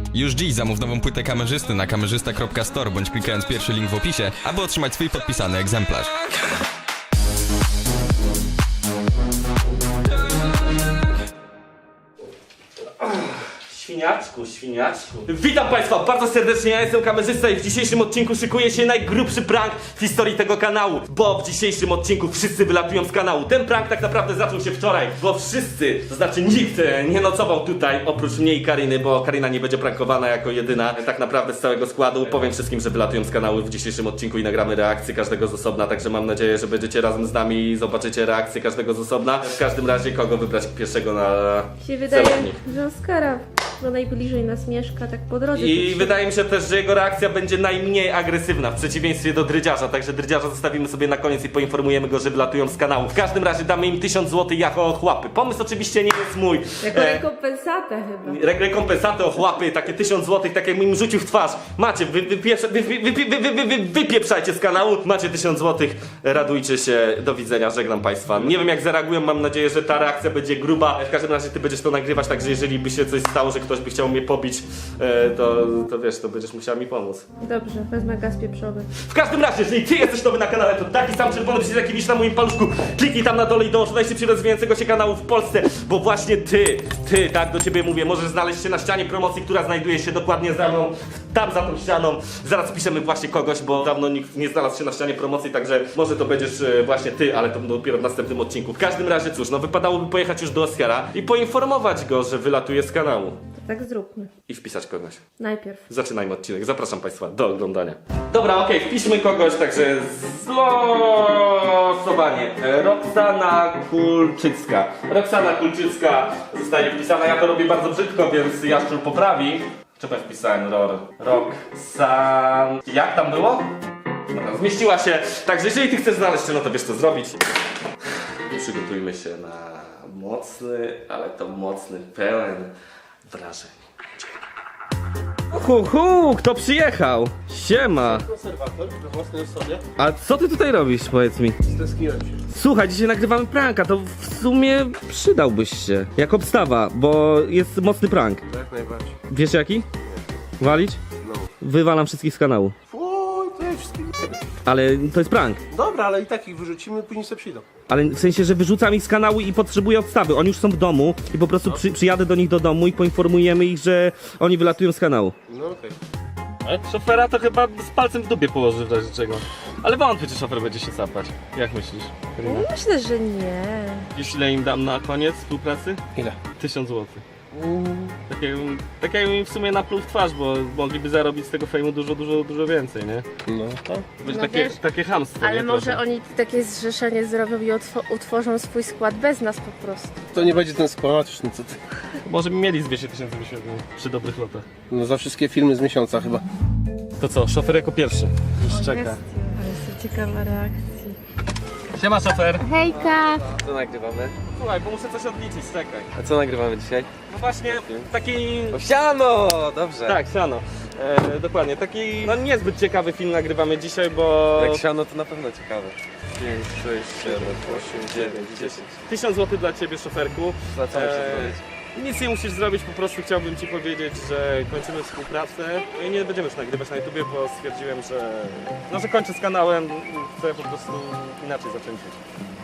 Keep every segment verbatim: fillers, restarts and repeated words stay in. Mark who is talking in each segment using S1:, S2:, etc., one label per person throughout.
S1: Już dziś zamów nową płytę kamerzysty na kamerzysta kropka store bądź klikając pierwszy link w opisie, aby otrzymać swój podpisany egzemplarz.
S2: Świniaczku, świniaczku. Witam Państwa bardzo serdecznie, ja jestem kamerzysta i w dzisiejszym odcinku szykuje się najgrubszy prank w historii tego kanału. Bo w dzisiejszym odcinku wszyscy wylatują z kanału. Ten prank tak naprawdę zaczął się wczoraj, bo wszyscy, to znaczy nikt nie nocował tutaj oprócz mnie i Karyny, bo Karyna nie będzie prankowana jako jedyna tak naprawdę z całego składu. Powiem wszystkim, że wylatują z kanału w dzisiejszym odcinku i nagramy reakcję każdego z osobna, także mam nadzieję, że będziecie razem z nami i zobaczycie reakcję każdego z osobna. W każdym razie kogo wybrać pierwszego na
S3: się wydaje,
S2: celownik.
S3: że Oskara, bo najbliżej nas mieszka, tak po drodze.
S2: I wydaje mi się też, że jego reakcja będzie najmniej agresywna w przeciwieństwie do Drydziarza, także Drydziarza zostawimy sobie na koniec i poinformujemy go, że wylatują z kanału. W każdym razie damy im tysiąc złotych jako ochłapy. Pomysł oczywiście nie jest mój.
S3: Jako
S2: E,
S3: rekompensatę chyba.
S2: Re rekompensatę, ochłapy, takie tysiąc złotych, tak jakbym im rzucił w twarz. Macie, wy, wy, wy, wy, wy, wy, wy, wy, wy, wypieprzajcie z kanału, macie tysiąc złotych, radujcie się, do widzenia, żegnam Państwa. Nie wiem jak zareagują, mam nadzieję, że ta reakcja będzie gruba. W każdym razie ty będziesz to nagrywać, także jeżeli by się coś stało, że ktoś by chciał mnie pobić, e, to, to wiesz, to będziesz musiała mi pomóc.
S3: Dobrze, wezmę gaz pieprzowy.
S2: W każdym razie, jeżeli ty jesteś nowy na kanale, to taki sam czerwony przycisk jaki widzisz na moim paluszku, kliknij tam na dole i dołącz do najszybciej rozwijającego się kanału w Polsce, bo właśnie ty, ty, tak do ciebie mówię, możesz znaleźć się na ścianie promocji, która znajduje się dokładnie za mną, tam za tą ścianą. Zaraz piszemy właśnie kogoś, bo dawno nikt nie znalazł się na ścianie promocji, także może to będziesz e, właśnie ty, ale to dopiero w następnym odcinku. W każdym razie, cóż, no wypadałoby pojechać już do Oskara i poinformować go, że wylatuje z kanału.
S3: To tak zróbmy.
S2: I wpisać kogoś.
S3: Najpierw.
S2: Zaczynajmy odcinek. Zapraszam Państwa do oglądania. Dobra, okej, okay, wpiszmy kogoś, także zlosowanie. Roxana Kulczycka. Roxana Kulczycka zostanie wpisana. Ja to robię bardzo brzydko, więc Jaszczur poprawi. Czemu ja wpisałem Ror? Roxan... Jak tam było? Dobra, zmieściła się. Także jeżeli Ty chcesz znaleźć się, no to wiesz co zrobić. Przygotujmy się na mocny, ale to mocny, pełen wrażeń. Hu, hu, kto przyjechał? Siema.
S4: Konserwator we własnej osobie.
S2: A co ty tutaj robisz, powiedz mi?
S4: Stęskniłem się.
S2: Słuchaj, dzisiaj nagrywamy pranka, to w sumie przydałbyś się. Jak obstawa, bo jest mocny prank.
S4: Jak najbardziej.
S2: Wiesz jaki? Walić?
S4: No.
S2: Wywalam wszystkich z kanału.
S4: Oj, to ja wszystkich...
S2: Ale to jest prank.
S4: Dobra, ale i tak ich wyrzucimy, później sobie przyjdą.
S2: Ale w sensie, że wyrzucam ich z kanału i potrzebuję odstawy. Oni już są w domu i po prostu przy, przyjadę do nich do domu i poinformujemy ich, że oni wylatują z kanału.
S4: No okej.
S5: Ale szofera to chyba z palcem w dupie położy w razie czego. Ale wątpię, czy szofer będzie się sapać. Jak myślisz? Karina?
S3: Myślę, że nie.
S5: Wiesz ile im dam na koniec współpracy?
S4: Ile?
S5: Tysiąc złotych. Takie, takie im w sumie napluł w twarz, bo mogliby zarobić z tego fejmu dużo, dużo, dużo więcej, nie?
S4: No.
S5: To będzie
S3: No
S5: takie,
S3: wiesz,
S5: takie chamstwo.
S3: Ale
S5: nie?
S3: może
S5: Trochę.
S3: oni takie zrzeszenie zrobią i otw- utworzą swój skład bez nas po prostu.
S4: To nie będzie ten skłamacz, no co ty.
S5: Może by mieli z dwieście tysięcy wyświetleń przy dobrych lotach.
S4: No za wszystkie filmy z miesiąca chyba.
S5: To co, szofer jako pierwszy. Już czeka.
S3: Ale jestem ciekawa reakcji.
S5: Siema szofer.
S3: Hejka!
S6: Co nagrywamy?
S5: Słuchaj, bo muszę coś odliczyć, czekaj.
S6: A co nagrywamy dzisiaj?
S5: No właśnie, taki...
S6: O siano! Dobrze.
S5: Tak, siano. E, dokładnie, taki no niezbyt ciekawy film nagrywamy dzisiaj, bo...
S6: Jak siano to na pewno ciekawe. pięć, sześć, siedem, osiem, dziewięć, dziesięć.
S5: tysiąc złotych dla ciebie, szoferku.
S6: Za co muszę
S5: E,
S6: zrobić?
S5: Nic nie musisz zrobić, po prostu chciałbym ci powiedzieć, że kończymy współpracę. No i nie będziemy już nagrywać na YouTubie, bo stwierdziłem, że... No, że kończę z kanałem, chcę po prostu inaczej zacząć żyć.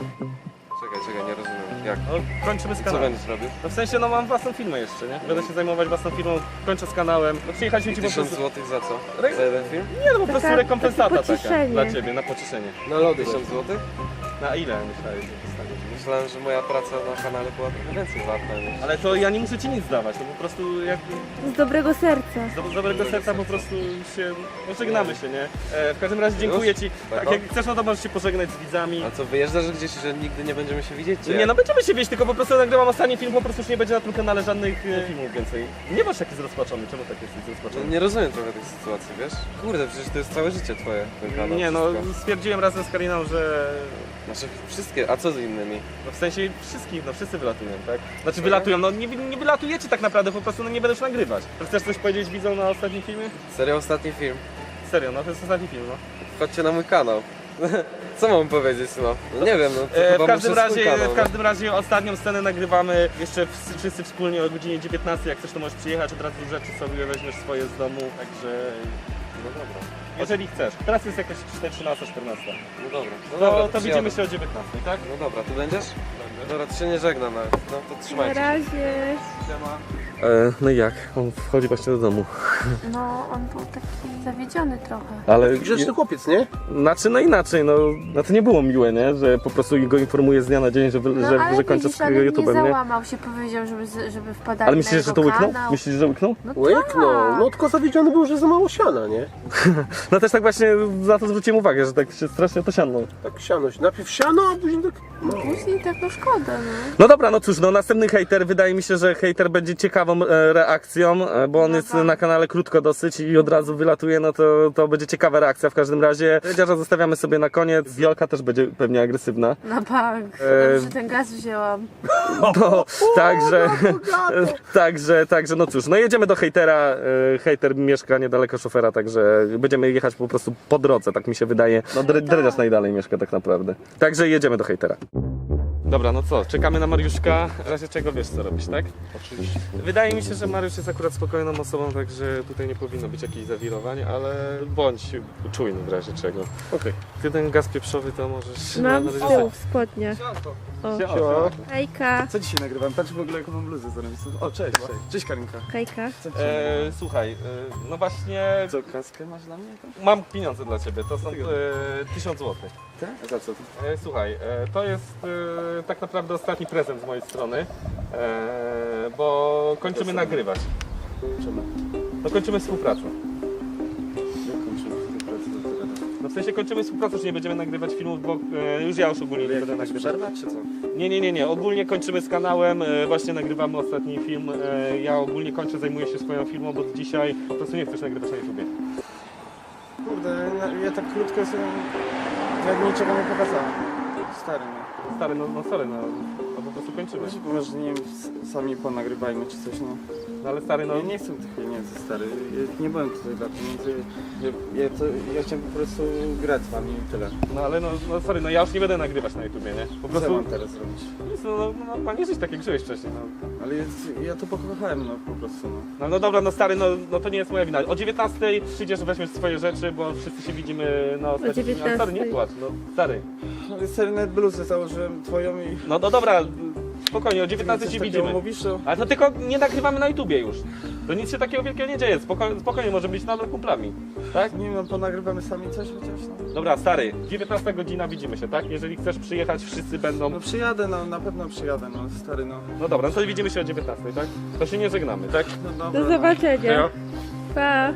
S6: Czekaj, czekaj, nie rozumiem. Jak?
S5: No, kończymy z
S6: Co
S5: kanałem.
S6: będziesz robił?
S5: No w sensie, no mam własną firmę jeszcze, nie? Będę się zajmować własną firmą, kończę z kanałem. No przyjechaliśmy ci po
S6: Tysiąc
S5: prostu...
S6: złotych za co?
S5: Re-
S6: Za jeden film?
S5: Nie, no po prostu
S3: Taka-
S5: rekompensata
S3: takie
S5: taka
S3: pocieszenie.
S5: dla ciebie, na pocieszenie.
S6: Na lody. Tysiąc złotych?
S5: Na ile myślałeś, że dostaniesz?
S6: Myślałem, że moja praca na kanale była trochę więcej warta niż...
S5: Ale to ja nie muszę ci nic dawać, to po prostu jak
S3: Z dobrego serca.
S5: z do- z dobrego serca po prostu się, no żegnamy się, nie? E, w każdym razie dziękuję ci. Tak, jak chcesz, no to możesz się pożegnać z widzami.
S6: A co, wyjeżdżasz gdzieś, że nigdy nie będziemy się widzieć? czy
S5: Nie,
S6: jak?
S5: no będziemy się wieść, tylko po prostu nagrywam ostatni film, po prostu już nie będzie na tym kanale żadnych e, filmów więcej. Nie masz taki zrozpaczony, czemu tak jesteś
S6: No,
S5: zrozpaczony?
S6: nie rozumiem trochę tej sytuacji, wiesz? Kurde, przecież to jest całe życie twoje, ten kanał.
S5: Nie, no
S6: wszystko.
S5: stwierdziłem razem z Kariną, że...
S6: Znaczy wszystkie, a co z innymi?
S5: No w sensie wszystkich, no wszyscy wylatują, tak? Znaczy wylatują, no nie, nie wylatujecie tak naprawdę, po prostu no nie będę już nagrywać. To chcesz coś powiedzieć widzom na ostatnim filmie?
S6: Serio, ostatni film.
S5: Serio, no to jest ostatni film, no.
S6: Wchodźcie na mój kanał. Co mam powiedzieć, no? No nie wiem, no to
S2: E,
S6: chyba
S2: w, każdym
S6: muszę swój
S2: razie,
S6: kanał,
S2: w każdym razie ostatnią scenę nagrywamy jeszcze w, wszyscy wspólnie o godzinie dziewiętnastej. Jak chcesz, to możesz przyjechać, od razu rzeczy sobie weźmiesz swoje z domu, także no dobra. Jeżeli chcesz. Teraz jest jakaś trzynaста czternasta.
S6: No dobra, no
S2: To,
S6: dobra,
S2: to
S6: przyjadę.
S2: widzimy się o dziewiętnastej, tak?
S6: No dobra, ty będziesz? Dobra, to się nie żegnam nawet, no to
S3: Na
S6: trzymajcie się.
S3: razie.
S2: E, no i jak? On wchodzi właśnie do domu.
S3: No, on był taki zawiedziony trochę.
S2: Ale
S4: Grzeczny chłopiec, nie?
S2: Znaczy, no inaczej, no, no to nie było miłe, nie? Że po prostu go informuje z dnia na dzień, że, wy-
S3: No,
S2: że,
S3: ale
S2: że kończę
S3: widzisz,
S2: z
S3: ale nie
S2: YouTube'em, nie?
S3: załamał się, powiedział, żeby, z- żeby wpadali
S2: Ale
S3: na
S2: myślisz,
S3: jego
S2: że to łyknął?
S3: kanał.
S2: Myślisz, że łyknął?
S3: No
S4: Łyknął,
S3: tak.
S4: no tylko zawiedziony był, że za mało siana, nie?
S2: No też tak właśnie na to zwróciłem uwagę, że tak się strasznie to siadło.
S4: Tak siano, najpierw siano, a później tak... No.
S3: Później tak no szkoda, no.
S2: No dobra, no cóż, no następny hejter, wydaje mi się, że hejter będzie ciekawą e, reakcją, e, bo on
S3: No
S2: jest
S3: tak.
S2: na kanale krótko dosyć i od razu wylatuje, no to, to będzie ciekawa reakcja w każdym razie. Dredziarza zostawiamy sobie na koniec, Wiolka też będzie pewnie agresywna.
S3: Na bank.
S2: E,
S3: Dobrze, ten gaz wzięłam.
S2: No, także, także, także, no cóż, no jedziemy do hejtera, e, hejter mieszka niedaleko szofera, także będziemy jechać po prostu po drodze, tak mi się wydaje. No dre, Dredziarz najdalej mieszka tak naprawdę. Także jedziemy do hejtera. Dobra, no co, czekamy na Mariuszka, w razie czego wiesz co robić, tak? Oczywiście. Wydaje mi się, że Mariusz jest akurat spokojną osobą, także tutaj nie powinno być jakichś zawirowań, ale bądź czujny w razie czego.
S4: Okej.
S2: Ty ten gaz pieprzowy to możesz...
S3: Mam
S2: na-
S3: z
S2: na-
S3: tyłu w spodniach.
S2: Siema.
S3: Hejka.
S7: Co dzisiaj nagrywam? Patrz w ogóle jaką mam bluzę zarobistą. O, cześć, cześć. Cześć Karinka.
S3: Hejka.
S7: Co dzisiaj?
S2: E, słuchaj, e, no właśnie
S7: Co, kaskę masz dla mnie?
S2: mam pieniądze dla ciebie, to są e, tysiąc złotych.
S7: Tak? A za co?
S2: E, słuchaj, e, to jest e, tak naprawdę ostatni prezent z mojej strony, e, bo kończymy nagrywać.
S7: Czemu?
S2: No kończymy współpracę.
S7: Jak kończymy współpracę do tego?
S2: No w sensie kończymy współpracę, że nie będziemy nagrywać filmów, bo e, już ja już ogólnie nie będę
S7: Jakaś
S2: nagrywać.
S7: przerwa, czy co?
S2: Nie, nie, nie, nie, ogólnie kończymy z kanałem, e, właśnie nagrywamy ostatni film. E, ja ogólnie kończę, zajmuję się swoją firmą, bo dzisiaj po prostu nie chcesz nagrywać na YouTubie.
S7: Kurde, ja, ja tak krótko sobie... Jak niczego nie pokazałem. Stary, no.
S2: Stary, no, no sorry, no, no po prostu kończymy.
S7: Może, może nie wiem, s- sami ponagrywajmy czy coś, no.
S2: No ale stary, no...
S7: Ja nie chcę tych pieniędzy, stary. Ja nie byłem tutaj dla pieniędzy. Ja, ja, to, ja chciałem po prostu grać z wami i tyle.
S2: No ale no, no sorry, no ja już nie będę nagrywać na YouTubie, nie? Po
S7: Co
S2: prostu...
S7: mam teraz robić?
S2: No, no, no, no nie żyć tak jak żyłeś wcześniej, no.
S7: Ale jest, ja to pokochałem, no po prostu, no.
S2: No, no dobra, no stary, no, no to nie jest moja wina. O dziewiętnastej przyjdziesz, weźmiesz swoje rzeczy, bo wszyscy się widzimy na ostatnim filmie. Ale stary, nie
S3: dziewiętnastej.
S2: płacz, no stary.
S7: Ale stary, nawet bluzę założyłem twoją i...
S2: No, no dobra, spokojnie, o dziewiętnastej
S7: Coś
S2: się
S7: takiego
S2: widzimy.
S7: mówisz, to...
S2: Ale to tylko nie nagrywamy na YouTubie już. To nic się takiego wielkiego nie dzieje, spokojnie, spokojnie może być nadal kumplami, tak?
S7: Nie wiem, no, ponagrywamy sami coś chociaż, no.
S2: Dobra, stary, dziewiętnasta godzina widzimy się, tak? Jeżeli chcesz przyjechać, wszyscy będą...
S7: No przyjadę, no na pewno przyjadę, no stary, no.
S2: No dobra, no to widzimy się o dziewiętnastej, tak? To się nie żegnamy, tak?
S7: No dobra,
S3: Do zobaczenia.
S2: Hejo.
S3: Pa.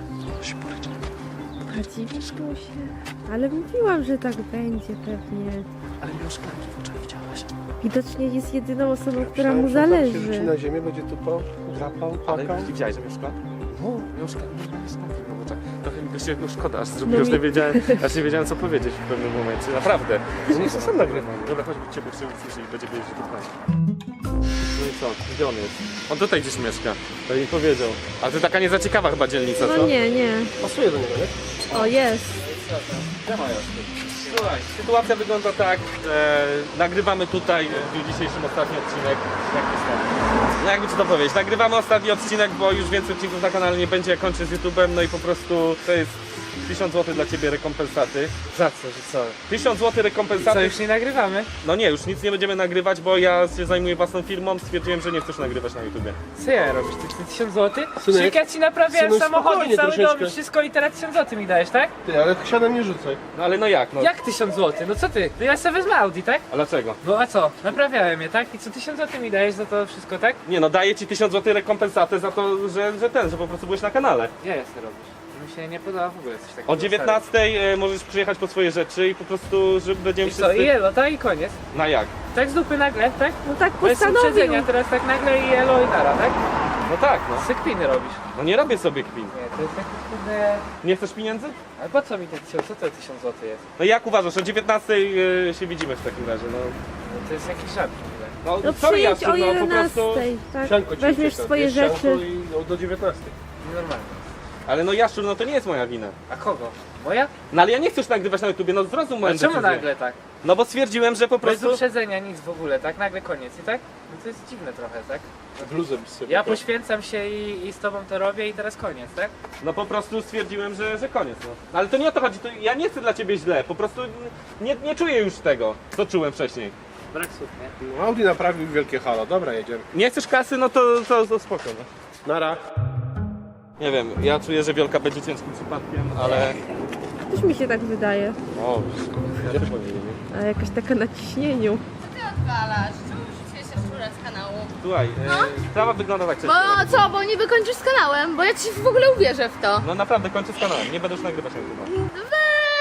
S3: A dziwisz się? Ale mówiłam, że tak będzie pewnie.
S7: Ale Miłoszka, wczoraj widziałaś.
S3: Widocznie jest jedyną osobą, która
S4: Myślałem,
S3: mu
S4: że tam się rzuci
S3: zależy.
S4: na ziemię, będzie tupał, drapał,
S2: Ale
S4: płakał.
S2: widziałeś, że mieszka?
S4: No,
S2: Mieszka, mieszka, no tak. Trochę mi się już szkoda, aż zrobiłem,
S3: No
S2: że
S3: mi-
S2: nie wiedziałem, aż nie wiedziałem co powiedzieć w pewnym momencie, naprawdę.
S4: że nie sam nagrywam.
S2: Dobra, chodź, cię bo usłyszy i będzie wiedzieć, że to fajnie. No i co? Gdzie on jest? On tutaj gdzieś mieszka, to mi powiedział. A to taka niezaciekawa chyba dzielnica, co?
S3: No nie, nie.
S4: Pasuje do niego, nie?
S3: O, jest.
S2: Słuchaj, sytuacja wygląda tak, że nagrywamy tutaj w dniu dzisiejszym ostatni odcinek. Jak to jest? No jakby ci to powiedzieć, nagrywamy ostatni odcinek, bo już więcej odcinków na kanale nie będzie, jak kończę z YouTube'em, no i po prostu to jest tysiąc złotych dla ciebie rekompensaty.
S6: Za co, że co?
S2: tysiąc złotych
S6: Co,
S2: rekompensaty.
S6: już nie nagrywamy?
S2: No nie, już nic nie będziemy nagrywać, bo ja się zajmuję własną firmą, stwierdziłem, że nie chcesz nagrywać na YouTubie.
S6: Co ja robisz? Ty, ty tysiąc złotych?
S4: Synek,
S6: Przecież ja ci naprawiałem
S4: synek,
S6: samochody,
S4: spokojnie
S6: cały
S4: troszeczkę.
S6: dom, wszystko i teraz tysiąc złotych mi dajesz, tak?
S4: Ty, ale sianem nie rzucaj.
S2: No ale no jak, no?
S6: Jak tysiąc złotych? No co ty? No ja sobie wezmę Audi, tak?
S2: A dlaczego?
S6: Bo a co? Naprawiałem je, tak? I co tysiąc złotych mi dajesz za to wszystko, tak?
S2: Nie no, daję ci tysiąc złotych rekompensatę za to, że, że ten, że po prostu byłeś na kanale.
S6: Ja jest robisz. Mi się nie podoba w ogóle coś takiego.
S2: O dziewiętnastej e, możesz przyjechać po swoje rzeczy i po prostu, że będziemy
S6: I co? I elo, tak? I koniec.
S2: Na jak?
S6: Tak z dupy nagle, tak?
S3: No tak
S6: Bez
S3: postanowił.
S6: uprzedzenia, teraz tak nagle i elo i nara, tak?
S2: No tak, no.
S6: Sykpiny robisz.
S2: No nie robię sobie kpin.
S6: Nie, to jest taki kurde...
S2: Nie chcesz pieniędzy?
S6: Ale po co mi te tysiąc? Co to tysiąc złotych jest?
S2: No jak uważasz, o dziewiętnastej e, się widzimy w takim razie, no.
S6: No to jest jakiś żart w ogóle.
S2: No,
S3: No
S2: sorry,
S3: przyjedź
S2: Jasiu,
S3: o
S2: no po prostu...
S3: jedenastej, tak?
S4: Sianko ci
S3: Weźmiesz
S4: ucieka.
S3: swoje
S4: Jest sianko
S3: rzeczy.
S4: I, no, do dziewiętnastej.
S6: Nienormalne.
S5: Ale no Jaszczur, no to nie jest moja wina.
S8: A kogo? Moja?
S5: No ale ja nie chcę już nagrywać na YouTubie, no zrozum moją
S8: A czemu
S5: decyzję.
S8: nagle tak?
S5: No bo stwierdziłem, że po
S8: Bez
S5: prostu...
S8: uprzedzenia, nic w ogóle, tak? Nagle koniec i tak? No to jest dziwne trochę, tak?
S4: Bluzę byś sobie
S8: Ja
S4: kupił.
S8: poświęcam się i, i z tobą to robię i teraz koniec, tak?
S5: No po prostu stwierdziłem, że, że koniec, no. Ale to nie o to chodzi, to ja nie chcę dla ciebie źle, po prostu nie, nie czuję już tego, co czułem wcześniej.
S8: Brak słów, nie?
S4: No, Audi naprawił wielkie halo. Dobra, jedziemy.
S5: Nie chcesz kasy, no to, to, to spoko, no.
S4: Nara.
S5: Nie wiem, ja czuję, że Wiolka będzie ciężkim przypadkiem, ale...
S3: Też mi się tak wydaje.
S5: O, ja też powiem.
S3: A jakaś taka na ciśnieniu.
S9: Ty odwalasz. Czemu wrzuciłeś szczurę z kanału?
S5: Słuchaj, e, sprawa wygląda tak
S9: Bo co, bo niby kończysz z kanałem? Bo ja ci w ogóle uwierzę w to.
S5: No naprawdę, kończę z kanałem, nie będę już nagrywać na YouTube.
S9: Weź!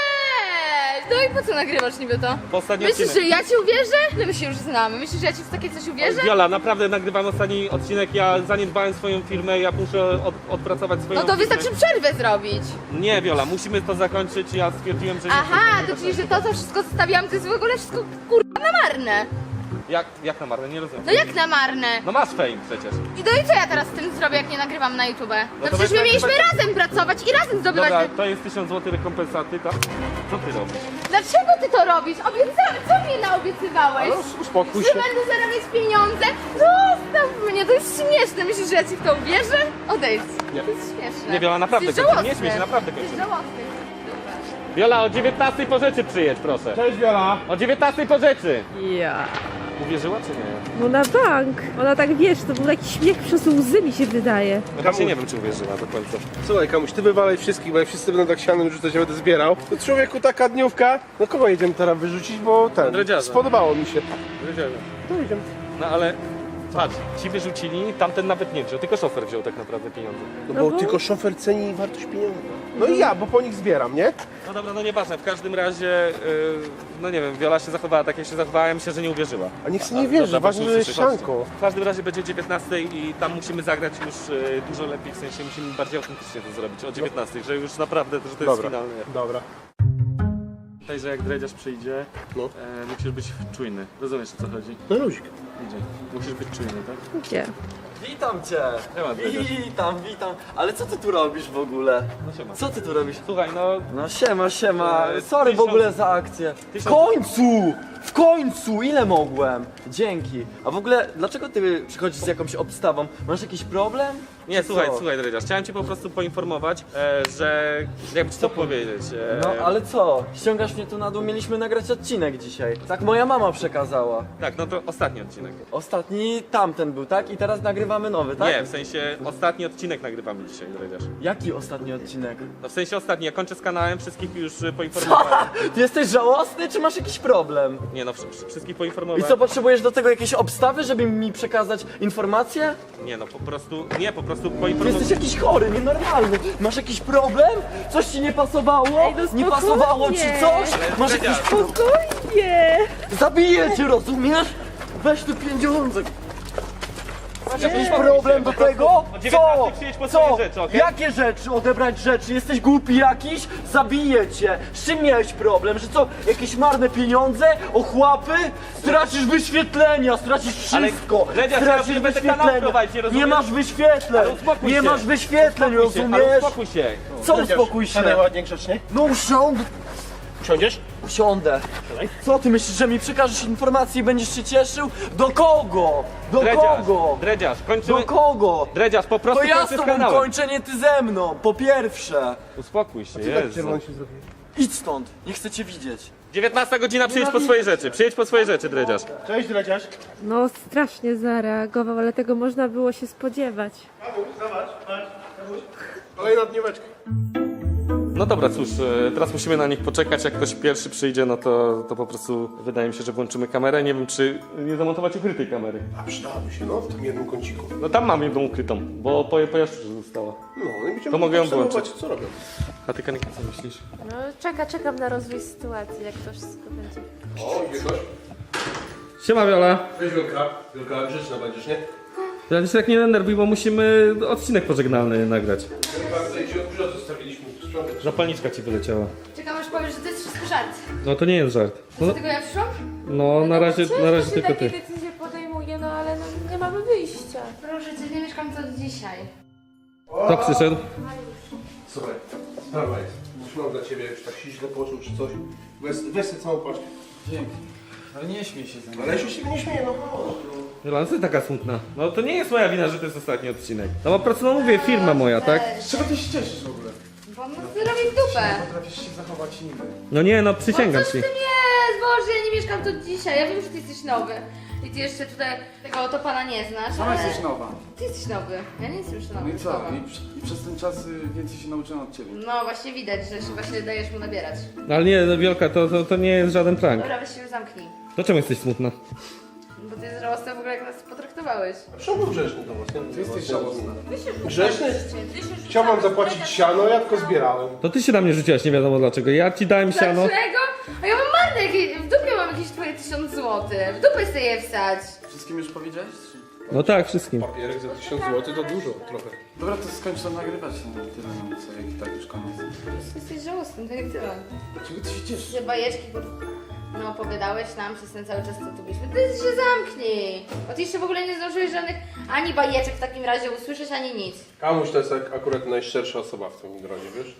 S9: No i po co nagrywasz niby to?
S5: Bo ostatni
S9: Myślisz,
S5: odcinek...
S9: że ja ci uwierzę? No my się już znamy. Myślisz, że ja ci w takie coś uwierzę?
S5: Wiola, naprawdę nagrywam ostatni odcinek, ja zaniedbałem swoją firmę, ja muszę od, odpracować swoją
S9: No to
S5: firmę.
S9: wystarczy przerwę zrobić.
S5: Nie, Wiola, musimy to zakończyć, ja stwierdziłem, że nie
S9: Aha,
S5: chcę
S9: to
S5: nagrywać
S9: czyli,
S5: na
S9: że to, co wszystko zostawiłam, to jest w ogóle wszystko kurwa na marne.
S5: Jak, jak na marne? Nie rozumiem.
S9: No jak na marne?
S5: No masz fame przecież.
S9: I no i co ja teraz z tym zrobię, jak nie nagrywam na YouTube? No,
S5: to
S9: przecież my
S5: weź
S9: mieliśmy
S5: nagrywać-
S9: razem pracować i razem zdobywać
S5: Dobra,
S9: te...
S5: to jest tysiąc złotych rekompensaty, tak? Co ty robisz?
S9: Dlaczego ty to robisz? Obiecałeś, co mnie naobiecywałeś?
S5: Ale uspokój
S9: Że
S5: się.
S9: będę zarabiać pieniądze? Zostaw mnie, to jest śmieszne. Myślisz, że ja ci w to uwierzę? Odejdź.
S5: Nie.
S9: To jest śmieszne.
S5: Nie, Wiola, naprawdę
S9: Jesteś
S5: kończymy. Nie
S9: żałosny.
S5: śmiej się, naprawdę
S9: Jesteś
S5: kończymy.
S9: żałosny. Dobra.
S5: Wiola, o dziewiętnastej po rzeczy przyjedź, proszę.
S4: Cześć, Wiola.
S5: O dziewiętnastej po rzeczy.
S3: Ja.
S5: Uwierzyła czy nie?
S3: No na bank. Ona tak, wiesz, to był taki śmiech przez łzy, mi się wydaje.
S5: No właśnie nie wiem, czy uwierzyła do końca.
S4: Słuchaj, Kamuś, ty wywalaj wszystkich, bo jak wszyscy będą tak sianem rzucać, ja będę zbierał. To człowieku, taka dniówka. No kogo jedziemy teraz wyrzucić, bo ten...
S5: Dredziarza.
S4: Spodobało mi się.
S5: Wiedziałem.
S4: No jedziemy.
S5: No ale patrz, ci wyrzucili, tamten nawet nie wziął, tylko szofer wziął tak naprawdę pieniądze.
S4: No
S3: No
S4: bo
S3: bo-
S4: tylko szofer ceni wartość pieniądza. No i ja, bo po nich zbieram, nie?
S5: No dobra, no nieważne, w każdym razie, yy, no nie wiem, Wiola się zachowała tak jak się zachowała, ja myślę, że nie uwierzyła.
S4: A niech się
S5: A,
S4: nie wierzy,
S5: dobra,
S4: ważne,
S5: właśnie
S4: że jest
S5: słyszy, chodźcie.
S4: sianko.
S5: W każdym razie będzie o dziewiętnastej i tam musimy zagrać już yy, dużo lepiej, w sensie musimy bardziej autentycznie to zrobić, o dziewiętnastej, że już naprawdę, że to jest
S4: Dobra.
S5: finalne.
S4: Dobra.
S5: Tutaj, że jak dredziarz przyjdzie,
S4: No.
S5: e, musisz być czujny, rozumiesz o co chodzi?
S4: No luzik.
S5: Idzie, musisz być czujny, tak?
S3: Gdzie?
S6: Witam cię!
S5: Siema, dredziarz.
S6: Witam, witam. Ale co ty tu robisz w ogóle?
S5: No siema.
S6: Co ty tu robisz?
S5: Słuchaj, no
S6: No siema, siema.
S5: E,
S6: Sorry w
S5: tysiąc-
S6: ogóle za akcję. W
S5: tysiąc-
S6: końcu! W końcu! Ile mogłem? Dzięki. A w ogóle, dlaczego ty przychodzisz z jakąś obstawą? Masz jakiś problem?
S5: Nie,
S6: Czy
S5: słuchaj,
S6: co?
S5: słuchaj, Dredziarz, chciałem cię po prostu poinformować, e, że jakby ci to powiedzieć. E,
S6: No ale co? Ściągasz mnie tu na dół, mieliśmy nagrać odcinek dzisiaj. Tak moja mama przekazała.
S5: Tak, no to ostatni odcinek.
S6: Ostatni tamten był, tak? I teraz nagrywamy nowy, tak?
S5: Nie, w sensie ostatni odcinek nagrywamy dzisiaj, Dredziarz.
S6: Jaki ostatni odcinek?
S5: No w sensie ostatni, ja kończę z kanałem, wszystkich już e, poinformowałem.
S6: Ty jesteś żałosny, czy masz jakiś problem?
S5: Nie no, wszy- wszystkich
S6: I
S5: poinformowałem.
S6: co, potrzebujesz do tego jakieś obstawy, żeby mi przekazać informacje?
S5: Nie no, po prostu, nie, po prostu
S6: Ty jesteś
S5: poinformowałem.
S6: jakiś chory, nienormalny. Masz jakiś problem? Coś ci nie pasowało?
S3: Ej, no
S6: nie
S3: spokojnie.
S6: pasowało ci coś? Masz jakiś problem?
S3: Spokojnie!
S6: Zabiję cię, rozumiesz? Weź tu pieniądze. Masz jakiś problem do tego?
S5: O
S6: Co?
S5: dziewiętnastej przyjedź po swoje
S6: Co?
S5: rzeczy, okej?
S6: Jakie rzeczy? Odebrać rzeczy? Jesteś głupi jakiś? Zabiję cię. Z czym miałeś problem? Że co? Jakieś marne pieniądze? Ochłapy? Stracisz wyświetlenia, stracisz
S5: Ale,
S6: wszystko.
S5: Dredziarz, ja
S6: Stracisz
S5: już będę kanał
S6: wyświetlenia.
S5: prowadzić, nie
S6: Nie
S5: rozumiesz?
S6: masz wyświetleń.
S5: Ale uspokój
S6: Nie
S5: się.
S6: masz wyświetleń,
S5: Uspokój się, ale
S6: rozumiesz?
S5: uspokój się.
S6: Co uspokój się?
S4: Siadaj ładnie, grzecznie.
S6: No usiądź.
S4: Usiądziesz?
S6: Usiądę. Co ty myślisz, że mi przekażesz informacje i będziesz się cieszył? Do kogo? Do
S5: Dredziarz,
S6: kogo?
S5: Dredziarz, kończymy...
S6: Do kogo?
S5: Dredziarz, po prostu
S6: To ja
S5: kończę
S6: z
S5: z
S6: tobą
S5: kanałem.
S6: kończę, nie ty ze mną, po pierwsze.
S5: Uspokój się,
S4: Co tak
S5: Jezu.
S4: czerwony się zrobił?
S6: Idź stąd, nie chcę cię widzieć.
S5: dziewiętnasta godzina, przyjedź po swoje rzeczy, przyjedź po swoje rzeczy, Dredziarz.
S4: Cześć, Dredziarz.
S3: No strasznie zareagował, ale tego można było się spodziewać.
S4: Kamuś, zobacz, patrz. Kamuś. Kolejna dnióweczka.
S5: No dobra, cóż, e, teraz musimy na nich poczekać, jak ktoś pierwszy przyjdzie, no to, to po prostu wydaje mi się, że włączymy kamerę, nie wiem czy nie zamontować ukrytej kamery.
S4: A przydałaby się, no, w tym jednym kąciku.
S5: No tam mam jedną ukrytą, bo po, po Jaszczurze została.
S4: No, no i będziemy
S5: To mogę ją
S4: obserwować,
S5: włączyć.
S4: co robią.
S5: A ty, Kanika, co myślisz?
S3: No czeka, czekam na rozwój sytuacji, jak to wszystko będzie.
S4: O, idzie gość.
S5: Siema, Wiola.
S4: Cześć, Wielka. Wielka, grzeczna będziesz, nie?
S5: Ja się tak nie denerwuj, bo musimy odcinek pożegnalny nagrać.
S4: Wielka, tutaj się od zostawiliśmy sprzątać.
S5: Zapalniczka ci wyleciała.
S9: Czekam aż powiesz, że to jest wszystko żart.
S5: No to nie jest żart. No,
S9: Dlatego ja przyszłam?
S5: no na razie, na razie
S3: się
S5: tylko
S3: takie
S5: ty.
S3: decyzje podejmuje, no ale no, nie mamy wyjścia.
S9: Proszę cię, nie mieszkam tu od dzisiaj.
S5: Kto przyszedł?
S4: Słuchaj, sprawa jest. Już mam dla ciebie, już tak się źle poczuł czy coś. Weź, weź sobie całą paczkę.
S7: Dzięki. Ale nie śmiej się ze mną.
S4: Ale ja się nie śmieję, no chodź.
S2: Wiola, no co ty taka smutna? No to nie jest moja wina, że to jest ostatni odcinek. No po prostu, no mówię, firma moja, tak?
S7: Z czego ty się cieszysz w ogóle?
S9: Bo mu zrobi w dupę.
S7: Potrafisz się zachować nigdy.
S2: No nie, no przysięgam
S9: Coś
S2: ci.
S9: w tym jest, Boże, ja nie mieszkam tu dzisiaj. Ja wiem, że ty jesteś nowy. I ty jeszcze tutaj tego oto pana nie znasz,
S7: Sama
S9: ale...
S7: jesteś nowa.
S9: Ty jesteś nowy. Ja nie jestem już nowy.
S7: No i co?
S9: nowa.
S7: I, przy- I przez ten czas y, więcej się nauczyłem od ciebie.
S9: No właśnie widać, że się właśnie dajesz mu nabierać.
S2: No ale nie, no Wiolka, to, to, to nie jest żaden prank.
S9: Dobra, weź się już zamknij.
S2: To czemu jesteś smutna?
S9: Bo ty jest żałosny w ogóle, jak nas potraktowałeś.
S4: Czemu grzeczny do was? Nie?
S7: Ty jesteś żałosna.
S4: Grzeczny? Chciał wam zapłacić siano, ja tylko zbierałem.
S2: To ty się na mnie rzuciłaś, nie wiadomo dlaczego. Ja ci dałem siano.
S9: Dlaczego? A ja mam marne, jakieś, w dupie mam jakieś twoje tysiąc złotych. W dupę sobie je wsać.
S7: Wszystkim już powiedziałeś? Czy...
S2: No tak, wszystkim.
S4: Papierek za tysiąc złotych to dużo, trochę.
S7: Dobra, to skończ to nagrywać. No, tyle, no co, jak i tak już koniec.
S9: Jesteś żałosny, tak jak ty.
S7: Dlaczego ty się cieszysz?
S9: Że bajeczki, kur... no opowiadałeś nam przez ten cały czas, co tu byliśmy. Ty się zamknij. Bo ty jeszcze w ogóle nie zdążyłeś żadnych ani bajeczek w takim razie usłyszeć, ani nic.
S4: Kamuś to jest ak- akurat najszczersza osoba w tym gronie, wiesz?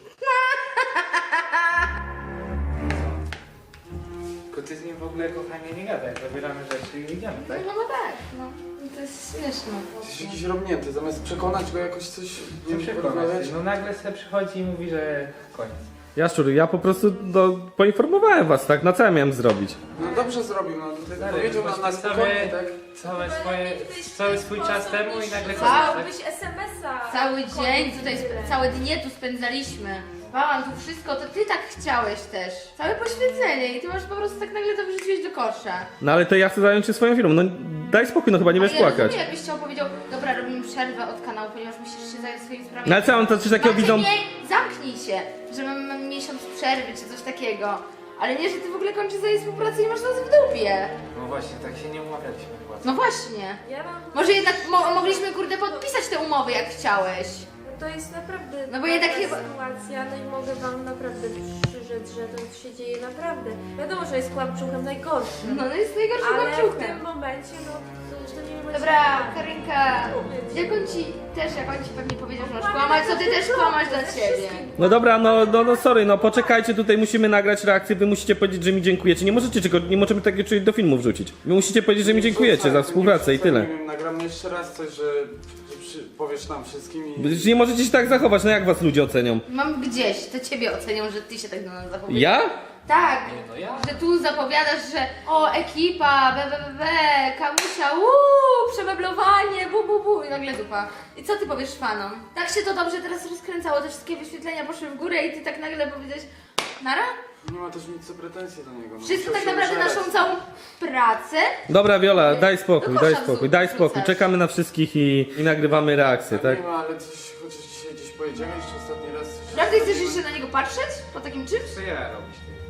S8: Tylko ty z nim w ogóle, kochanie, nie gadaj. Zabieramy rzeczy i idziemy,
S9: No,
S8: tak?
S9: no tak, no. I to jest śmieszne.
S7: Jesteś jakiś robnięty, zamiast przekonać go jakoś coś...
S8: Nie
S7: nie
S8: przekonać
S7: porozmawiać.
S8: się. No nagle sobie przychodzi i mówi, że koniec.
S2: Jaszczur, ja po prostu no, poinformowałem was, tak? Na co ja miałem zrobić?
S7: No dobrze zrobił, no tutaj
S8: Stary,
S7: powiedział na, na
S8: poświęcamy
S7: spokojnie, tak?
S8: Całe swoje, cały swój czas temu i nagle koniec,
S9: Cały,
S8: tak?
S9: es em es a. Cały dzień tutaj, sp- całe dnie tu spędzaliśmy. Spałam tu wszystko, to ty tak chciałeś też. Całe poświęcenie i ty masz po prostu tak nagle to wyrzuciłeś do kosza.
S2: No ale to ja chcę zająć się swoją firmą. No daj spokój, no chyba nie
S9: Ale
S2: będziesz
S9: ja
S2: płakać.
S9: rozumiem, jakbyś chciał powiedział, dobra, robimy przerwę od kanału, ponieważ musisz się zająć swoimi sprawami.
S2: No ale co, on to coś takiego
S9: Macie
S2: widzą...
S9: mniej- Zamknij się, że mamy, mamy miesiąc przerwy czy coś takiego. Ale nie, że ty w ogóle kończysz sobie współpracę i masz nas w dupie.
S8: No właśnie, tak się nie umawialiśmy chyba.
S9: No właśnie. Może jednak mo mogliśmy kurde podpisać te umowy jak chciałeś.
S10: To jest naprawdę
S9: No bo jednak
S10: taka
S9: chyba-
S10: sytuacja, no i mogę wam naprawdę przyrzec, że to się dzieje naprawdę. Wiadomo, że jest kłamczuchem najgorszym,
S9: No, no jest najgorszym
S10: ale w
S9: kłamczuchem.
S10: tym momencie, no to, to nie wiem.
S9: Dobra, Karinka, jak on ci też, jak on ci pewnie powiedział, że masz kłamać, to ty też kłamasz dla ciebie.
S2: No dobra, no, no, no sorry, no poczekajcie, tutaj musimy nagrać reakcję, wy musicie powiedzieć, że mi dziękujecie. Nie możecie czego, nie możemy takiego czegoś do filmu wrzucić. Wy musicie powiedzieć, że mi dziękujecie za współpracę i tyle.
S7: Nie wiem, nagramy jeszcze raz coś, że, że przy, powiesz nam wszystkim i...
S2: Przecież nie możecie się tak zachować, no jak was ludzie ocenią?
S9: Mam gdzieś, to ciebie ocenią, że ty się tak do nas zachowujesz.
S2: Ja?
S9: Tak,
S8: no ja.
S9: że tu zapowiadasz, że o ekipa, be, be, be, be, kamusia, uuu, przemeblowanie, bu, bu, bu i nagle dupa. I co ty powiesz fanom? Tak się to dobrze teraz rozkręcało, te wszystkie wyświetlenia poszły w górę i ty tak nagle powiedziałeś, nara?
S7: Nie ma też nic co pretensji do niego. No,
S9: Wszystko
S7: musiał
S9: tak
S7: się
S9: naprawdę
S7: użerać.
S9: naszą całą pracę.
S2: Dobra, Wiola, daj spokój,
S9: Do
S2: daj
S9: kosza
S2: spokój,
S9: wrzu-
S2: daj spokój.
S9: wrzucasz.
S2: Czekamy na wszystkich i, i nagrywamy reakcję, tak?
S7: Nie ma, ale coś, chociaż dzisiaj gdzieś pojedziemy jeszcze ostatni raz. coś-
S9: Naprawdę chcesz jeszcze na niego patrzeć? Po takim czymś?
S8: Co ja robisz ty?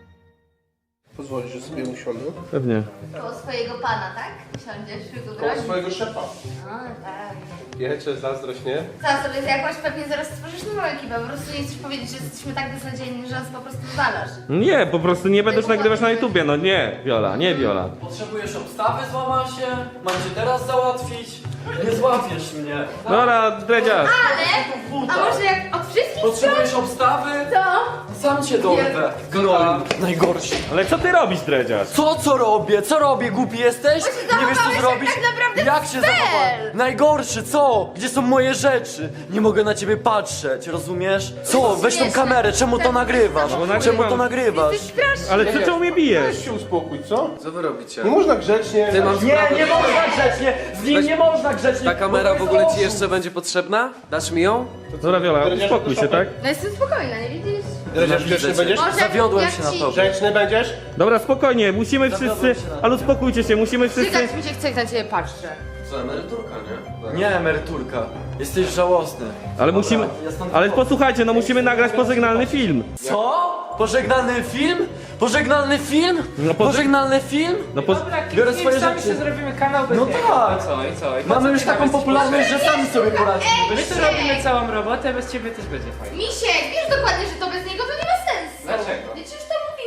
S4: Pozwolisz, że sobie usiądę?
S2: Pewnie.
S9: Koło swojego pana, tak? Siądziesz,
S4: Koło
S9: wygogroź.
S4: swojego szefa.
S9: A, tak.
S4: Wiecie, zazdrość, nie?
S9: Co sobie, jakąś pewnie zaraz stworzysz nową ekipę, po prostu nie chcesz powiedzieć, że jesteśmy tak beznadziejni, że nas po prostu wywalasz.
S2: Nie, po prostu nie będę już nagrywać na YouTubie, no nie, Wiola, nie Wiola.
S6: Potrzebujesz obstawy, złama się? Mam cię teraz załatwić? Nie złapiesz mnie.
S2: Dobra, dredziarz.
S9: Ale, a może jak od wszystkich
S6: Potrzebujesz obstawy?
S9: to...
S6: Sam cię dorwę. Gnoju. Najgorszy.
S2: Ale co ty robisz, dredziarz?
S6: Co, co robię? Co robię? Głupi jesteś?
S9: Bo się
S6: Nie wiesz co
S9: zachowałeś
S6: zrobić?
S9: jak tak naprawdę
S6: Jak się
S9: cel.
S6: zachowałem? Najgorszy, co? Gdzie są moje rzeczy? Nie mogę na ciebie patrzeć, rozumiesz? Co? Weź tą
S9: śmieszne.
S6: kamerę, czemu to
S9: Tak,
S6: nagrywasz?
S2: No bo nagrywam.
S6: Czemu to nagrywasz?
S9: Jesteś straszny.
S2: Ale ty czemu mnie bijesz?
S4: Weź się uspokój, co?
S11: Co wy robicie?
S4: Nie można grzecznie.
S11: Ty masz
S6: Nie,
S11: sprawę,
S6: nie
S11: że-
S6: można grzecznie! Z nim
S11: Weź-
S6: nie można grzecznie!
S11: Ta kamera
S6: bo
S11: w
S6: to
S11: ogóle
S6: jest
S11: ci jeszcze będzie potrzebna? Dasz mi ją?
S2: Dobra, Wiola, uspokój się, tak?
S9: No jestem spokojna, nie widzisz?
S4: Dredziarz, grzeczny będziesz?
S9: Może
S6: Zawiodłem
S9: jak
S6: się na
S9: ci-
S6: tobie.
S4: Grzeczny będziesz?
S2: Dobra, spokojnie, musimy wszyscy, ale uspokójcie się, musimy wszyscy...
S9: Cygać mi się chce, jak na ciebie patrzę.
S11: Co, emeryturka, nie?
S6: Nie, emeryturka. Jesteś żałosny.
S2: Ale musimy,
S6: ja stąd
S2: ale
S6: wychodzę.
S2: posłuchajcie, no musimy nagrać pożegnalny film.
S6: Co? Pożegnalny film? Pożegnalny film?
S2: No po-
S6: Pożegnalny film?
S2: No po...
S8: Dobra,
S6: Biorę
S8: kliknij,
S6: swoje
S8: sami
S6: rzeczy.
S8: się zrobimy kanał bez
S6: No
S8: niego.
S6: tak.
S8: I co, i co? I po
S6: Mamy
S8: co
S6: już
S8: ty
S6: taką
S8: nawet
S6: popularność, że sami sobie poradzimy.
S8: My tu robimy całą robotę, bez ciebie też będzie fajnie.
S9: Misiek, wiesz dokładnie, że to bez niego to nie ma sensu.
S8: Dlaczego?
S9: Ja ci już to mówiłam.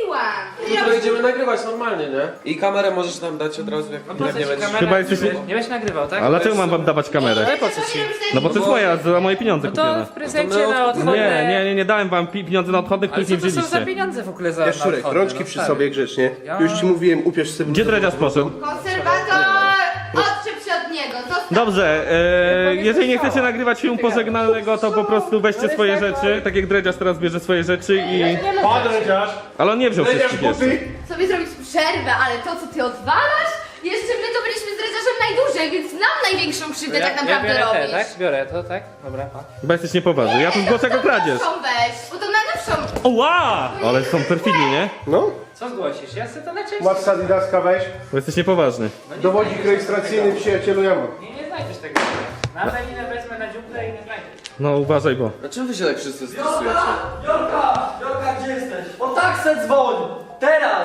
S9: mówiłam.
S11: Jutro idziemy nagrywać normalnie, nie? I kamerę możesz nam dać od razu, jak,
S8: No po
S11: jak
S8: co
S11: nie
S8: ci
S11: będziesz...
S8: kamera?
S1: Chyba jesteś-
S8: Nie, nie będziesz nagrywał, tak?
S1: A dlaczego mam wam dawać kamerę?
S8: Ale po co ci?
S1: No bo to jest moja, za moje pieniądze
S8: No to
S1: kupione.
S8: w prezencie na odchodne...
S1: Nie, nie, nie, nie dałem wam pi- pieniądze na odchodnych,
S8: Ale
S1: których
S8: co
S1: nie
S8: to są za
S1: wzięliście.
S8: pieniądze w ogóle za
S4: Jaszczurek,
S8: na odchodne?
S4: rączki
S8: No,
S4: przy
S8: stary.
S4: sobie grzecznie.
S8: Ja-
S4: Już ci mówiłem, upierz sobie...
S1: Gdzie dredziarz poszedł?
S9: Konserwator, odczep się od niego. Zostaw.
S1: Dobrze, e, jeżeli nie chcecie nagrywać filmu pożegnalnego, to po prostu weźcie swoje rzeczy, tak jak dredziarz teraz bierze swoje rzeczy i...
S4: Pa, dredziarz!
S1: Ale on nie wziął
S4: Dredziarz
S1: wszystkich jeszcze.
S4: buty!
S9: Sobie zrobić przerwę, ale to co ty odwalasz? Jeszcze my to byliśmy z dredziarzem najdłużej, więc nam największą krzywdę tak naprawdę
S8: ja biorę
S9: robisz.
S8: te, tak? Biorę to, tak? Dobra, pa.
S1: Chyba jesteś niepoważny, ja tu zgłoszę jako kradzież.
S9: Najnowszą weź, bo to najnowszą.
S1: Oła! Ale są perfidni, nie?
S4: No,
S8: Co zgłosisz? Ja chcę to na części.
S4: masz Adidaska, weź.
S1: Bo jesteś niepoważny.
S4: Dowodzik rejestracyjny, przyjacielu, ja mam.
S8: Nie, nie znajdziesz tego. Na Daninę wezmę na dziuplę i nie znajdziesz.
S1: No uważaj, bo...
S11: A czemu wy się tak wszyscy stresujecie?
S6: Jorka! Jorka, gdzie jesteś? O tak se dzwoń! Teraz!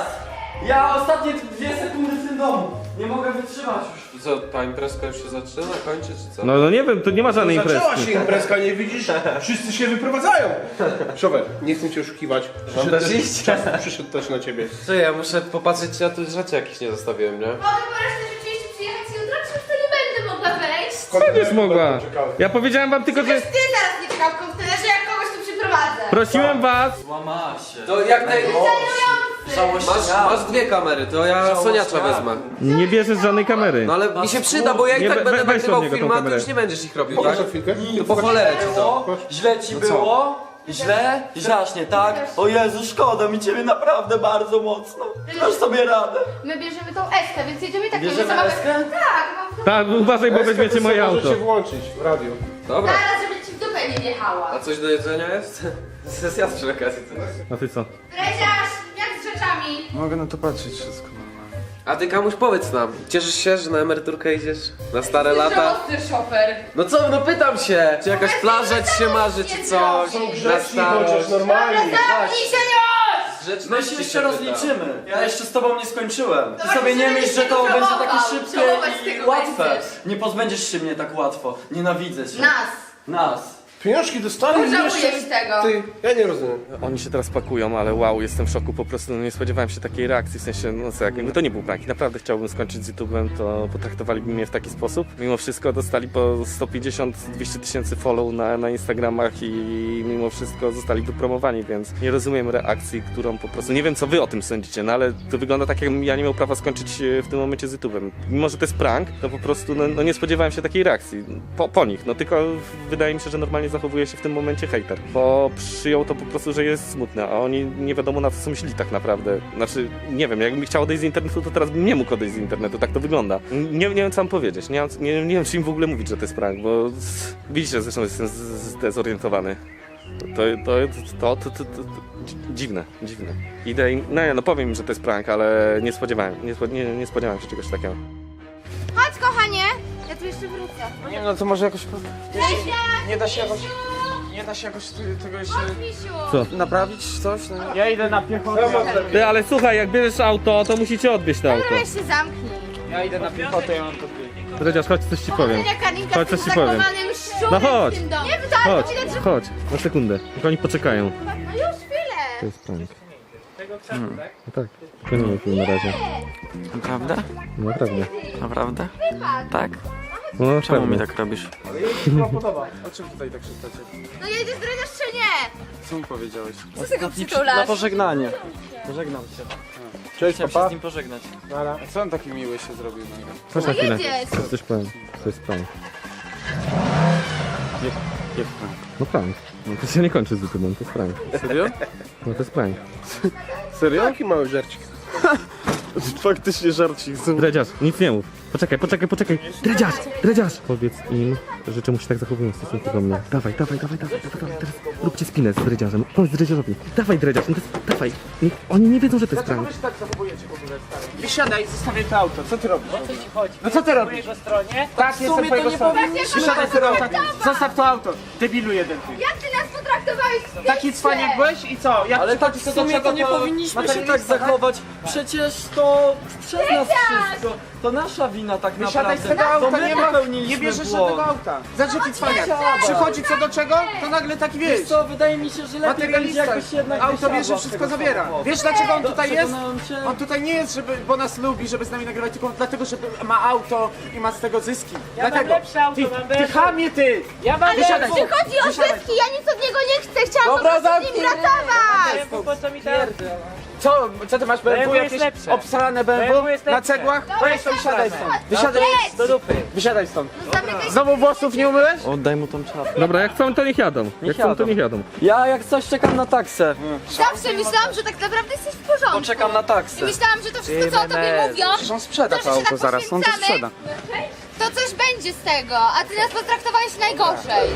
S6: Ja ostatnie dwie sekundy w tym domu. Nie mogę wytrzymać już.
S11: Co, ta imprezka już się zaczyna, kończy, czy co?
S1: No, no nie wiem, to nie ma żadnej
S4: Zaczęła
S1: imprezki.
S4: się imprezka, nie widzisz? Wszyscy się wyprowadzają. Szowek, nie chcę cię oszukiwać. Przyszedł
S11: też
S4: też,
S11: iść?
S4: czas przyszedł też na ciebie.
S11: Co, ja muszę popatrzeć, czy ja tu rzeczy jakieś nie zostawiłem, nie?
S9: Mogę po raz rzeczywiście przyjechać jutro, czy już to nie będę mogła wejść?
S1: Będziesz mogła. Ja powiedziałem wam tylko, że...
S9: Przecież ty zaraz nie czekał w kontenerze, jak kogoś tu przyprowadzę.
S1: Prosiłem was...
S6: Łama się.
S11: To jak tej...
S9: Żałujący.
S11: Masz, masz dwie kamery, to ja Soniacza wezmę.
S1: Nie bierzesz żadnej kamery.
S11: No ale mi się przyda, bo ja i
S1: Nie,
S11: tak
S1: we-
S11: będę
S1: weź od
S11: nagrywał
S1: niego tą
S11: filmy, a ty
S1: kamerę.
S11: już nie będziesz ich robił, tak?
S4: Pokaż na chwilkę.
S11: To po cholerę ci to.
S6: Było? Źle ci było? Źle? Strasznie, tak? O Jezu, szkoda mi ciebie naprawdę bardzo mocno. Dasz sobie radę.
S9: My bierzemy tą Eskę, więc jedziemy tak.
S6: Bierzemy
S9: mamy
S6: Eskę?
S9: Tak, mam
S1: Tak, uważaj, bo weźmiecie moje
S4: Może
S1: auto.
S4: się włączyć w radio.
S11: Dobra.
S9: zaraz, żeby ci w dupę nie wjechała.
S11: A coś do jedzenia jest? Sesja przy okazji.
S1: A ty co?
S9: Dreziarz, jak z rzeczami?
S7: Mogę na to patrzeć wszystko normalnie.
S11: A ty komuś powiedz nam, cieszysz się, że na emeryturkę idziesz? Na stare lata?
S9: Ostry szofer.
S11: No co, no pytam się! Czy jakaś plaża ci się marzy, czy coś?
S4: Są
S11: Na
S4: grzeczni
S11: starość?
S4: chociaż normalnie.
S9: Zamknij się już!
S6: My
S11: Grzeczności
S6: się
S11: się
S6: jeszcze
S11: pyta.
S6: rozliczymy. Ja jeszcze z tobą nie skończyłem. Ty
S9: Dobra,
S6: sobie nie
S9: żebyś
S6: myśl, że
S9: nie
S6: to będzie
S9: żałował.
S6: takie szybkie
S9: Żałować z
S6: i
S9: tego
S6: łatwe.
S9: będziesz.
S6: Nie pozbędziesz się mnie tak łatwo. Nienawidzę cię.
S9: Nas.
S6: Nas.
S4: Pieniążki dostali i
S9: Pożałujesz
S4: jeszcze...
S9: tego.
S4: Ty, ja nie rozumiem.
S1: Oni się teraz pakują, ale wow, jestem w szoku, po prostu no, nie spodziewałem się takiej reakcji, w sensie, no co, jakby to nie był prank, naprawdę chciałbym skończyć z YouTube'em, to potraktowaliby mnie w taki sposób. Mimo wszystko dostali po sto pięćdziesiąt do dwustu tysięcy follow na, na Instagramach i mimo wszystko zostali wypromowani, więc nie rozumiem reakcji, którą po prostu, nie wiem co wy o tym sądzicie, no ale to wygląda tak, jakbym ja nie miał prawa skończyć e, w tym momencie z YouTube'em. Mimo, że to jest prank, to po prostu no, no nie spodziewałem się takiej reakcji po, po nich, no tylko wydaje mi się, że normalnie zachowuje się w tym momencie hejter, bo przyjął to po prostu, że jest smutne, a oni nie wiadomo na co są myśli tak naprawdę. Znaczy, nie wiem, jakbym chciał odejść z internetu, to teraz bym nie mógł odejść z internetu, tak to wygląda. Nie, nie wiem co mam powiedzieć, nie, mam- nie, nie wiem czy im w ogóle mówić, że to jest prank, bo z- widzicie, zresztą jestem z- z- zdezorientowany. To, to, to, to, to, to, to dzi- dziwne, dziwne. Idę im, no nie, no powiem im, że to jest prank, ale nie spodziewałem, nie, spo- nie, nie spodziewałem się czegoś takiego.
S9: Chodź kochanie, ja tu jeszcze wrócę.
S7: Nie no to może jakoś...
S9: Dreziarz!
S7: Nie da się jakoś... Nie da się jakoś ty- tego jeszcze...
S9: Chodź, misiu.
S1: Co?
S7: Naprawić coś? No, ja idę na piechotę.
S1: Ty, ale słuchaj, jak bierzesz auto, to musicie odwieźć to auto.
S9: Dobra, weź się zamknij.
S7: Ja idę na piechotę, ja mam to zbiegać.
S1: Dredziarz, chodź, coś ci powiem.
S9: Kochania Karinka
S1: Chodź,
S9: z tym
S1: coś ci powiem.
S9: zakochanym szczurem
S1: No chodź.
S9: w tym domu. Nie wdaj,
S1: Chodź,
S9: bo widać, że...
S1: chodź, na sekundę. Niech oni poczekają.
S9: No już chwilę.
S1: To jest prank.
S8: Tego krzaku, tak?
S1: No tak, kończymy film na razie.
S7: Naprawdę?
S1: No naprawdę.
S7: Naprawdę?
S9: Wypadł.
S7: Tak?
S1: No
S7: Czemu mi
S1: pewnie.
S7: tak robisz?
S4: Ale jej się chyba podoba. O czym tutaj tak szeptacie?
S9: No jedziesz dreziarz czy nie?
S7: Co mi powiedziałeś?
S9: Co ty go przytulasz?
S7: pożegnanie. Pożegnam cię.
S4: Cześć,
S7: Chciałem się
S4: papa.
S7: z nim pożegnać.
S4: Nara.
S7: A co on taki miły się zrobił?
S1: Chodź na chwilę.
S9: jedziesz.
S1: Coś, coś powiem. To jest prank.
S7: Jak prank?
S1: No prank. No to się nie kończy z YouTube'em, to jest prank.
S7: Serio?
S1: No to jest prank.
S4: Serio? Jaki mały żarcik.
S7: Faktycznie żarcik.
S1: Dredziarz, nic nie mów. Poczekaj, poczekaj, poczekaj. Dredziarz, dredziarz! Powiedz im, że czemu się tak zachowują w stosunku do mnie. Dawaj, dawaj, dawaj, dawaj, dawaj, dawaj. Teraz róbcie spinę z dredziarzem. Powiedz dredziarzowi. Dawaj dredziarz, no to jest, dawaj. Nie, oni nie wiedzą, że to jest prank.
S7: tak zachowujecie w ogóle, stary? Wysiadaj, zostawię to auto. Co ty robisz? No co ty robisz?
S8: Po stronie?
S7: Tak, jestem po jego stronie. Wysiadaj z tego auta. Zostaw to auto. Debilu jeden ty.
S9: Jak ty nas potraktowałeś w tej
S7: Taki cwaniak byłeś i co? Jak
S6: Ale tak
S7: przychodzi
S6: w
S7: co do
S6: sumie
S7: czego,
S6: to nie powinniśmy się tak
S7: materialista,
S6: zachować. Przecież to przez nas wszystko. To nasza wina tak
S7: Wysiadaj z
S6: naprawdę.
S7: tego
S6: To
S7: auta,
S6: my
S7: nie ma,
S6: popełniliśmy
S7: nie bierzesz
S6: błąd.
S7: żadnego auta. Zobacz jaki cwaniak. Przychodzi co do czego, to nagle taki
S6: Wiesz
S7: wiesz.
S6: co, wydaje mi się, że lepiej będzie
S7: Materialista.
S6: jakbyś jednak
S7: Auto
S6: wysiadła
S7: bierze,
S6: z
S7: wszystko
S6: tego
S7: zabiera.
S6: samochodu.
S7: Wiesz dlaczego on
S6: Do-
S7: tutaj jest?
S6: przekonałem cię.
S7: On tutaj nie jest, żeby, bo nas lubi, żeby z nami nagrywać, tylko dlatego, że ma auto i ma z tego zyski. Dlatego. Ty, ty chamie ty!
S10: Ja mam
S7: Wysiadaj.
S9: Nie chodzi o
S7: Wysiadaj.
S9: zyski, ja nic od niego nie chcę, chciałam
S7: Dobra,
S9: po prostu z nim
S7: zamknij.
S9: pracować!
S10: po co mi teraz?
S7: Co? Co ty masz B M W jakieś obsrane B M W na cegłach? Weź to wysiadaj stąd. Wysiadaj,
S9: Do
S10: dupy.
S7: wysiadaj stąd.
S9: Zamykaj
S7: Znowu włosów nie umyłeś?
S6: Oddaj mu tą czapkę.
S1: Dobra, jak chcą, to niech jadą. Jak chcą, to
S6: jadą.
S1: niech jadą.
S6: Ja jak coś czekam na taksę.
S9: Zawsze myślałam, że tak naprawdę jesteś w porządku.
S6: Poczekam na
S9: I
S6: taksę.
S9: myślałam, że to wszystko, co o tobie mówią,
S7: Przecież on sprzeda
S9: to,
S7: to
S9: że się
S7: auto
S9: tak
S7: zaraz, on to
S9: poświęcamy,
S7: sprzeda.
S9: to coś będzie z tego, a ty nas potraktowałeś najgorzej.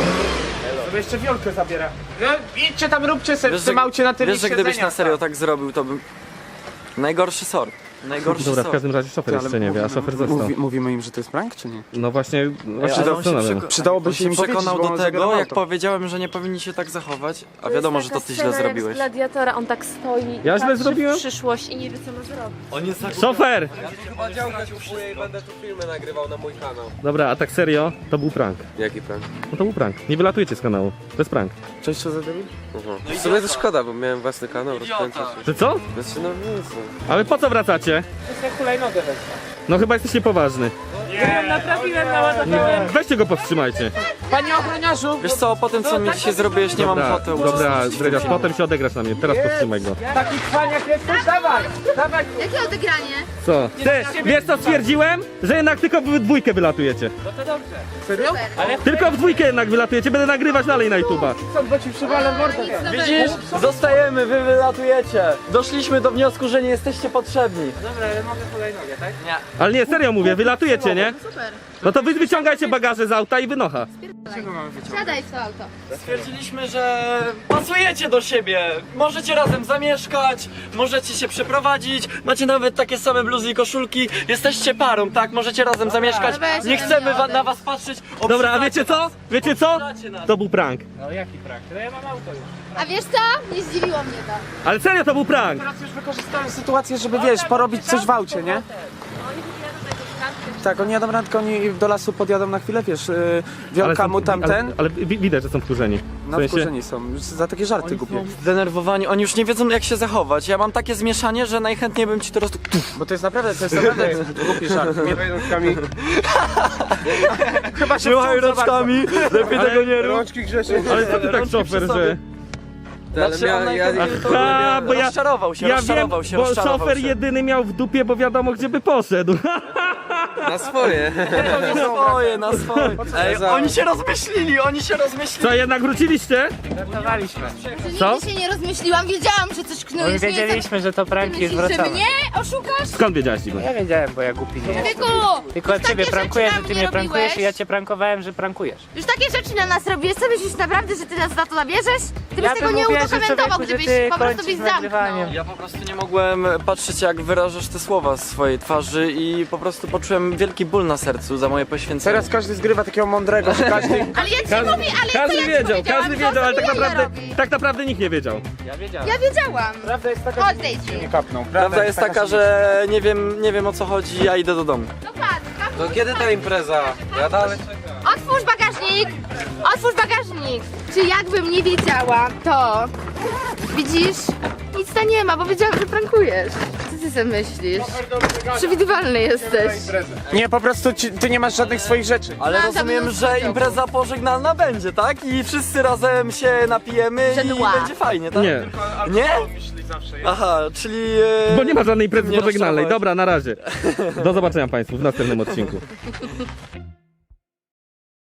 S7: To jeszcze wiolkę zabiera. No, idźcie tam, róbcie sobie w tym
S6: że-
S7: aucie na tyle
S6: wiesz, że gdybyś na serio tak zrobił, to bym... Najgorszy sort. Najgorszy
S1: Dobra, w
S6: sort.
S1: każdym razie szofer jeszcze nie wie, a szofer został.
S7: mówimy im, że to jest prank, czy nie?
S1: No właśnie, właśnie
S6: Ale on się
S1: zastanawiam.
S6: przeko-
S7: Przydałoby
S6: on
S7: się
S6: się
S7: im powiedzieć,
S6: przekonał
S7: bo
S6: do
S7: on
S6: tego,
S7: zabiera
S6: jak
S7: auto.
S6: powiedziałem, że nie powinni się tak zachować, a wiadomo, że to ty źle zrobiłeś.
S10: Z gladiatora, on tak stoi.
S1: Ja źle
S10: patrzy
S1: zrobiłem?
S10: w przyszłość i nie wie co ma zrobić.
S6: On jest tak...
S1: Szofer!
S11: Chyba działka kupuję i będę tu filmy nagrywał na mój kanał.
S1: Dobra, a tak serio, to był prank.
S11: Jaki prank?
S1: No to był prank. Nie wylatujecie z kanału. To jest prank.
S7: Cześć, co za debil?
S11: Aha. W sumie to szkoda, bo miałem własny kanał, rozkręcał się.
S1: Czy co?
S11: Znaczy no nic no.
S1: Ale po co wracacie?
S7: Ja hulajnogę weź.
S1: No chyba jesteś niepoważny.
S10: Naprawiłem, naładowałem.
S1: Weźcie go powstrzymajcie.
S7: Panie ochroniarzu!
S6: Wiesz co, po tym co mi dzisiaj zrobiłeś, nie mam
S1: Dobra,
S6: ochoty
S1: dobra,
S6: uczestniczyć w
S1: Dredziarz,
S6: filmie.
S1: potem się odegrasz na mnie. Teraz powstrzymaj go.
S7: Taki cwaniak jesteś? Dawaj! Dawaj!
S9: Jakie odegranie?
S1: Co? Ty, wiesz co stwierdziłem? Że jednak tylko w dwójkę wylatujecie.
S7: Serio?
S1: Tylko w dwójkę jednak wylatujecie. Będę nagrywać dalej na YouTube'a.
S7: Co, bo ci przywalę mordę.
S6: Widzisz? Zostajemy, wy wylatujecie. Doszliśmy do wniosku, że nie jesteście potrzebni.
S7: Dobra, ale mogę hulajnogę, tak?
S6: Nie.
S1: Ale nie, serio mówię, wylatujecie, nie?
S9: Super.
S1: No to wy wyciągajcie bagaże z auta i wynocha.
S7: Czego mamy wyciągnąć?
S9: Siadaj w to auto.
S6: Stwierdziliśmy, że pasujecie do siebie. Możecie razem zamieszkać, możecie się przeprowadzić, macie nawet takie same bluzy i koszulki. Jesteście parą, tak? Możecie razem zamieszkać.
S9: weź
S6: Nie
S9: ode
S6: chcemy
S9: mnie
S6: wa-
S9: odejdź.
S6: na was patrzeć.
S1: Dobra, a
S6: Obrzydzacie
S1: wiecie co?
S6: nas.
S1: Wiecie co?
S6: Obrzydzacie nas.
S1: To był prank.
S7: No jaki prank? No ja mam auto już.
S9: A wiesz co? Nie zdziwiło mnie to.
S1: Ale serio, to był prank.
S7: Teraz już wykorzystałem sytuację, żeby wiesz, porobić coś w aucie, nie? Tak, oni jadą randkę, oni do lasu podjadą na chwilę, wiesz, yy, wielka
S1: są-
S7: mu tamten,
S1: Ale, ale wi- widać, że są wkurzeni. W
S7: no
S1: sensie-
S7: wkurzeni są, za takie żarty głupie.
S6: Zdenerwowani, oni już nie wiedzą jak się zachować. Ja mam takie zmieszanie, że najchętniej bym ci teraz...
S7: Bo to jest naprawdę, to jest naprawdę głupi żart. Nie rączkami. Chyba się
S6: Trzymaj
S7: wciął za bardzo.
S6: rączkami, lepiej tego nie rób.
S7: Rączki grzecznie.
S1: Ale co ty tak
S6: Rączki
S1: szofer,
S6: przy sobie.
S1: że...
S11: Ale
S6: Znaczy, on
S11: mia, ja, ja,
S6: najchętniej to
S1: Aha, bo ja,
S6: rozczarował się,
S1: ja wiem,
S6: rozczarował się,
S1: bo
S6: rozczarował
S1: szofer
S6: się.
S1: jedyny miał w dupie, bo wiadomo gdzie by poszedł.
S11: na swoje.
S6: Na swoje, na swoje. Ej,
S11: za-
S6: oni się rozmyślili, oni się rozmyślili.
S1: Co, jednak wróciliście?
S7: Żartowaliśmy.
S1: Co?
S9: Nigdy się nie rozmyśliłam, wiedziałam, że coś knujesz.
S7: Wiedzieliśmy, że to
S9: Ty
S7: pranki jest
S9: myślisz, że
S7: wracamy.
S9: mnie oszukasz?
S1: Skąd wiedziałeś, Dzigo?
S7: Ja wiedziałem, bo ja głupi nie jestem.
S9: Tyku!
S7: Tylko
S9: już
S7: ciebie
S9: takie
S7: prankuję,
S9: rzeczy
S7: że
S9: na
S7: ty
S9: mnie
S7: mnie prankujesz
S9: robiłeś.
S7: i ja cię prankowałem, że prankujesz.
S9: Już takie rzeczy na nas robisz, co myślisz naprawdę, że ty nas za to nabierzesz? Ty byś
S7: Ja
S9: tego
S7: bym
S9: nie
S7: uwierzył,
S9: udokumentował,
S7: człowieku, że
S9: gdybyś
S7: ty
S9: po prostu
S7: kończysz
S9: byś
S7: z
S9: zamknął.
S7: nagrywaniem.
S6: Ja po prostu nie mogłem patrzeć jak wyrażasz te słowa z swojej twarzy i po prostu poczułem wielki ból na sercu za moje poświęcenie.
S7: Teraz każdy zgrywa takiego mądrego, że każdy...
S9: Ale ja ci mówię, ale
S1: Każdy
S9: co ja ci
S1: wiedział,
S9: powiedziałam,
S1: każdy
S9: że on
S1: wiedział, ale
S9: sobie
S1: tak
S9: jaja
S1: naprawdę,
S9: robi.
S1: tak naprawdę nikt nie wiedział.
S7: Ja wiedziałem.
S9: Ja wiedziałam.
S7: Prawda jest taka,
S9: Odejdź.
S7: że nie kapnął.
S6: Prawda jest taka, że nie wiem, nie wiem o co chodzi, ja idę do domu.
S9: Dokładnie.
S11: To kiedy ta impreza? Ja dalej czekam.
S9: Otwórz bagażnik! Otwórz bagażnik! Czy jakbym nie wiedziała, to... Widzisz? Nic tam nie ma, bo wiedziałam, że prankujesz. Co ty sobie myślisz? Przewidywalny jesteś.
S7: Nie, po prostu ci, ty nie masz żadnych swoich rzeczy.
S6: Ale
S9: Mam tam
S6: rozumiem,
S9: mnóstwo
S6: że
S9: ciągów.
S6: impreza pożegnalna będzie, tak? I wszyscy razem się napijemy
S9: Że
S6: i
S9: dła.
S6: będzie fajnie, tak?
S1: Nie,
S6: Nie? Aha, czyli... e,
S1: bo nie ma żadnej imprezy
S6: nie
S1: pożegnalnej.
S6: rozczarować.
S1: Dobra, na razie. Do zobaczenia Państwu w następnym odcinku.